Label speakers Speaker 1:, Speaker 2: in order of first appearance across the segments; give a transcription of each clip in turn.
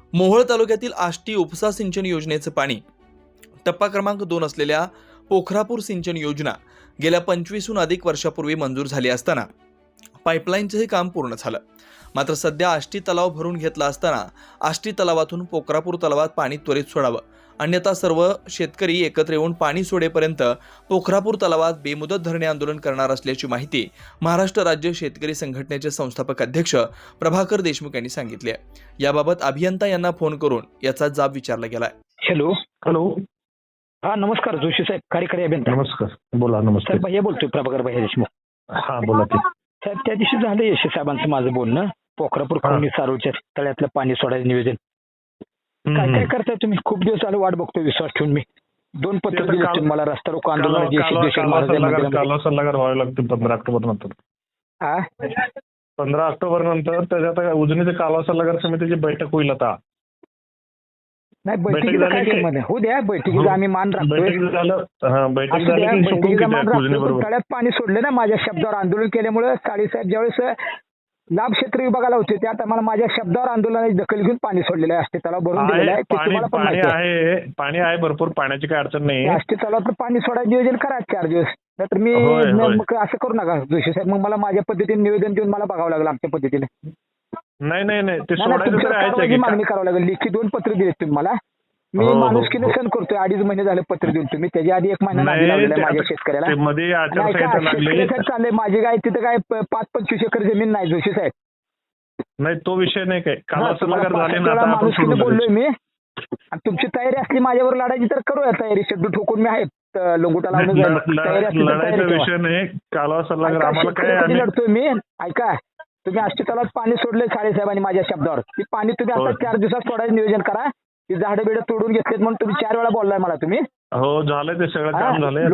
Speaker 1: मोहोळ तालुक्यातील आष्टी उपसा सिंचन योजनेचे पाणी टप्पा क्रमांक 2 असलेल्या पोखरापूर सिंचन योजना गेल्या 25हून अधिक वर्षापूर्वी मंजूर झाली असताना पाईपलाईनचंही काम पूर्ण झालं. मात्र सध्या आष्टी तलाव भरून घेतला असताना आष्टी तलावातून पोखरापूर तलावात पाणी त्वरित सोडावं, अन्यथा सर्व शेतकरी एकत्र येऊन पाणी सोडेपर्यंत पोखरापूर तलावात बेमुदत धरणे आंदोलन करणार असल्याची माहिती महाराष्ट्र राज्य शेतकरी संघटनेचे संस्थापक अध्यक्ष प्रभाकर देशमुख यांनी सांगितली आहे. याबाबत अभियंता यांना फोन करून याचा जाब विचारला गेलाय.
Speaker 2: हॅलो.
Speaker 3: हॅलो.
Speaker 2: हा नमस्कार जोशी साहेब, कार्यकारी अभियंता.
Speaker 3: नमस्कार, बोला. नमस्कार
Speaker 2: साहेब, भैया बोलतोय, प्रभाकर भैया देशमुख.
Speaker 3: हा बोला की
Speaker 2: साहेब, त्या दिवशी झालं यशस्वी साहेबांचं माझं बोलणं, पोखरापूर खवणी सारोळच्या तळ्यातलं पाणी सोडायचं नियोजन. काय काय करताय तुम्ही? खूप दिवस झालं वाट बघतोय विश्वास ठेवून. मी 2 पत्र दिले तुम्ही मला, रस्ता रोको आंदोलनाची
Speaker 3: कालवा सल्लागार व्हावे लागतील 15 ऑक्टोबर नंतर. 15 ऑक्टोबर नंतर त्याच्यात उजनीचे कालवा सल्लागार समितीची बैठक होईल. आता
Speaker 2: नाही, बैठकीला काय संबंध आहे? हो द्या, बैठकीला आम्ही मान राखतोय.
Speaker 3: बैठक झाली,
Speaker 2: तळ्यात पाणी सोडले ना, माझ्या शब्दावर आंदोलन केल्यामुळे साहेब ज्यावेळेस लाभ क्षेत्र विभागाला होते त्या टायमाला माझ्या शब्दावर आंदोलनाची दखल घेऊन पाणी सोडलेलं आहे. आष्टी तलाव भरून दिलेलं आहे.
Speaker 3: पाणी आहे भरपूर, पाण्याची काही अडचण नाही.
Speaker 2: आष्टी तलावात पाणी सोडायचं नियोजन करा 4 दिवस. नाहीतर मी मग असं करू नका जोशी साहेब, मग मला माझ्या पद्धतीने निवेदन देऊन मला बघावं लागलं आमच्या पद्धतीने.
Speaker 3: नाही ते सोडायचं
Speaker 2: मागणी करावं लागेल. लेखी 2 पत्र दिलेत तुम्ही मला. मी माणुसकीने सण करतोय. 2.5 महिने झाले पत्र देऊन. तुम्ही त्याच्या आधी 1 महिना माझ्या शेतकऱ्याला चाललंय. माझी काय तिथं काय 5-25 एकर जमीन नाही जोशी साहेब.
Speaker 3: नाही, तो विषय नाही. काय
Speaker 2: माणुसकीने बोललोय मी. आणि तुमची तयारी असली माझ्यावर लढायची तर करूया तयारी. शेड्यू ठोकून मी आहे लंगोटा लावून
Speaker 3: विषय नाही. कालवा सल्लागार आम्हाला काय
Speaker 2: लढतोय मी. ऐका, तुम्ही आष्टी तलावात पाणी सोडले साहेबांनी माझ्या शब्दावर. ती पाणी तुम्ही आता 4 दिवसात सोडायचं नियोजन करा. ती झाडं बिडं तोडून घेतलेत म्हणून तुम्ही 4 वेळा बोललाय मला तुम्ही.
Speaker 3: हो, झालंय ते सगळं काम झालंय.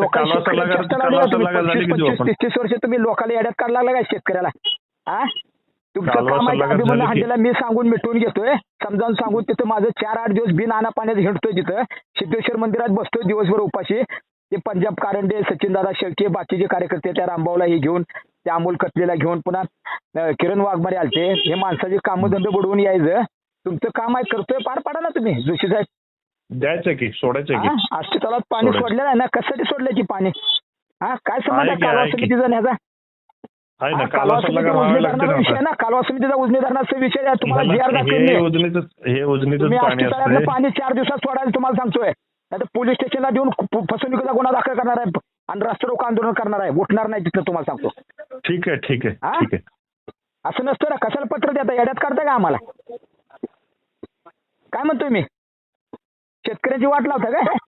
Speaker 2: 25-30 वर्ष तुम्ही लोकांना येड्यात काढला लागला काय शेतकऱ्याला? तुमचं काम आहे हंडीला मी सांगून मिटवून घेतोय, समजावून सांगून. तिथं माझं 4-8 दिवस बिन आणा पाण्यात हिंडतोय. तिथं सिद्धेश्वर मंदिरात बसतोय दिवसभर उपाशी. ते पंजाब कारंडे, सचिनदादा शेळके, बाकीचे कार्यकर्ते त्या रामभाऊला हे घेऊन, त्या अमोल कटलेला घेऊन, पुन्हा किरण वाघमारे आलते. हे माणसाचे कामधंदे बुडवून यायचं. तुमचं काम आहे, करतोय, पार पाडा ना तुम्ही जोशी साहेब.
Speaker 3: द्यायचं की सोडायचं की.
Speaker 2: आष्टी तलावात पाणी सोडलेलं आहे ना, कशासाठी सोडलं की पाणी? काय संबंध आहे कालवा समितीचा ह्याचा? कालवा समितीचा उजनी धरणाचा विषय ना, कालवा समितीचा उजनी धरणाचा विषय आहे. तुम्हाला जी आर दाखवून पाणी 4 दिवसात सोडायला तुम्हाला सांगतोय. नाही पोलीस स्टेशनला देऊन फसवणुकीचा गुन्हा दाखल करणार आहे आणि रस्ता रोको आंदोलन करणार आहे. उठणार नाही तिथं, तुम्हाला सांगतो.
Speaker 3: ठीक आहे.
Speaker 2: असं नसतं ना. कशाला पत्र देता? येड्यात काढता का आम्हाला? काय म्हणतोय मी? शेतकऱ्याची वाट लावता काय?